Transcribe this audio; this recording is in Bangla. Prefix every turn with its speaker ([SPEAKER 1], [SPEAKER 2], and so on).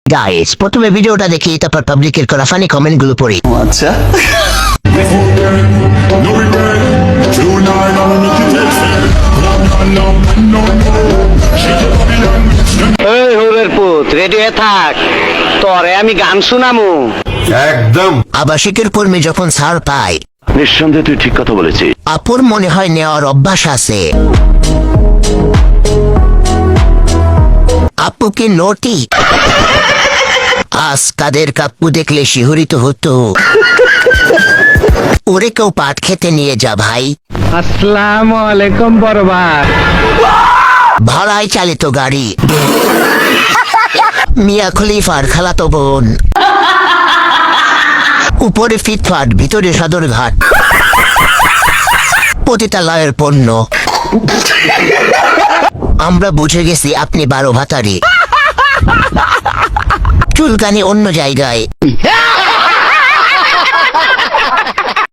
[SPEAKER 1] গাইস, প্রথমে ভিডিওটা দেখি, তারপর পাবলিকের করা ফানি কমেন্ট গুলো পড়ি।
[SPEAKER 2] আচ্ছা,
[SPEAKER 3] এই হোরের পুত, রেডি হয়ে থাক, তরে আমি গান শুনামু।
[SPEAKER 4] একদম।
[SPEAKER 1] আবাসিকের কর্মী যখন ছাড় পায়,
[SPEAKER 4] নিঃসন্দেহে তুই ঠিক কথা বলেছিস।
[SPEAKER 1] আপুর মনে হয় নেওয়ার অভ্যাস আছে। আপু কি নটি? আজ কাদের কাপ্পু দেখলে শিহরিত হতো। ওরে কেউ পাট খেতে নিয়ে যা ভাই।
[SPEAKER 3] আসসালামু আলাইকুম বরবাদ।
[SPEAKER 1] ভাড়ায় চালিত গাড়ি, মিয়া খলিফার খালাতো বোন, উপরে ফিটফাট, ভিতরে সদরঘাট, পতিতালয়ের পণ্য। আমরা বুঝে গেছি আপনি 12 ভাতারি, চুলকানি অন্য জায়গায়।